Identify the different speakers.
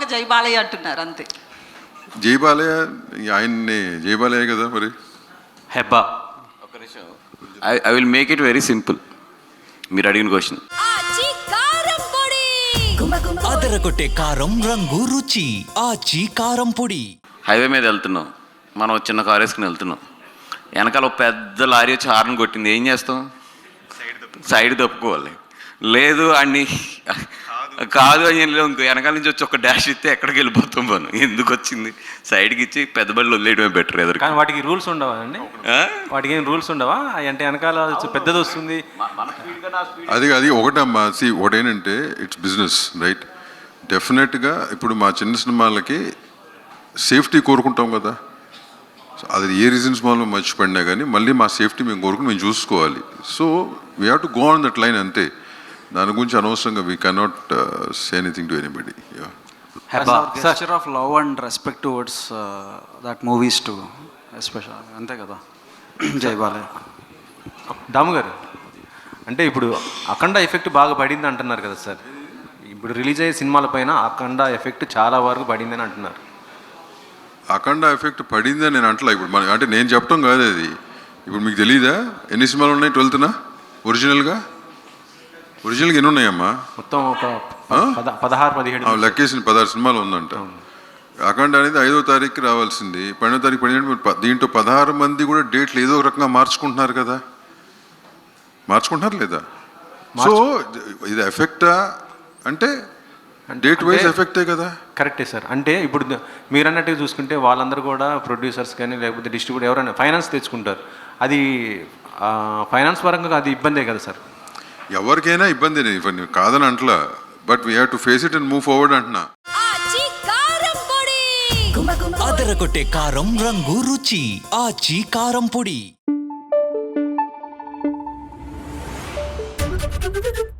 Speaker 1: జై బాలయ్య అంటున్నారు అంతే.
Speaker 2: జై బాలయ్య ఆయన్ని జై బాలయ్య కదా మరి.
Speaker 3: హెబ్బా ఒక నిమిషం. I will make it very simple. మీరు అడిగిన క్వశ్చన్.
Speaker 4: అదరగొట్టే కారం రంగు రుచి ఆచి కారం పొడి.
Speaker 3: హైవే మీద వెళ్తున్నాం, మనం చిన్న కారు వేసుకుని వెళ్తున్నాం. వెనకాల ఒక పెద్ద లారీ వచ్చి హార్న్ కొట్టింది, ఏం చేస్తాం? సైడ్ తప్పుకోవాలి. లేదు అన్ని కాదు అని ఇంకో వెనకాల నుంచి వచ్చి ఒక డాష్ ఇస్తే ఎక్కడికి వెళ్ళిపోతాం మనం. ఎందుకు వచ్చింది? సైడ్కి ఇచ్చి పెద్ద బళ్ళు వదిలేయడమే బెటర్. ఎదురు
Speaker 5: కానీ వాటికి రూల్స్ ఉండవా అండి? వాటికి ఏం రూల్స్ ఉండవా అంటే వెనకాల పెద్దది వస్తుంది
Speaker 2: అది ఒకటమ్మా. ఒకటేంటంటే ఇట్స్ బిజినెస్ రైట్. డెఫినెట్గా ఇప్పుడు మా చిన్న సినిమాలకి సేఫ్టీ కోరుకుంటాం కదా. అది ఏ రీజన్స్ వల్ల మర్చిపడినా కానీ మళ్ళీ మా సేఫ్టీ మేము కోరుకుని మేము చూసుకోవాలి. So we have to go on that line అంతే. దాని గురించి అనవసరంగా we cannot say anything to anybody.
Speaker 6: Gesture of love and respect towards that movies too special అంతే కదా. జై బాలయ్య.
Speaker 5: దాము గారు అంటే ఇప్పుడు అఖండ ఎఫెక్ట్ బాగా పడింది అంటున్నారు కదా సార్. ఇప్పుడు రిలీజ్ అయ్యే సినిమాల పైన అఖండ ఎఫెక్ట్ చాలా వరకు పడిందని అంటున్నారు.
Speaker 2: అఖండ ఎఫెక్ట్ పడిందని నేను అంటలా. ఇప్పుడు మన అంటే నేను చెప్పడం కాదు అది. ఇప్పుడు మీకు తెలీదా ఎన్ని సినిమాలు ఉన్నాయి 12th ఒరిజినల్గా ఎన్ని ఉన్నాయమ్మా?
Speaker 5: మొత్తం ఒక 16-17
Speaker 2: లెక్కేసిన 16 సినిమాలు ఉందంట. అఖండ అనేది 5వ తారీఖుకి రావాల్సింది, 12వ తారీఖు పడినట్టు. దీంట్లో 16 మంది కూడా డేట్లు ఏదో ఒక రకంగా మార్చుకుంటున్నారు కదా. మార్చుకుంటున్నారు లేదా? సో ఇది ఎఫెక్టా అంటే డేట్ వైజ్ ఎఫెక్టే కదా.
Speaker 5: కరెక్టే సార్. అంటే ఇప్పుడు మీరు అన్నట్టుగా చూసుకుంటే వాళ్ళందరూ కూడా ప్రొడ్యూసర్స్ కానీ లేకపోతే డిస్ట్రిబ్యూటర్ ఎవరైనా ఫైనాన్స్ తెచ్చుకుంటారు. అది ఫైనాన్స్ పరంగా అది ఇబ్బందే కదా సార్.
Speaker 2: ఎవరికైనా ఇబ్బంది కాదని అంటలా. But we have to face it and move forward అంటున్నా.
Speaker 4: అదరగొట్టే కారం రంగు రుచి ఆచి కారం పొడి.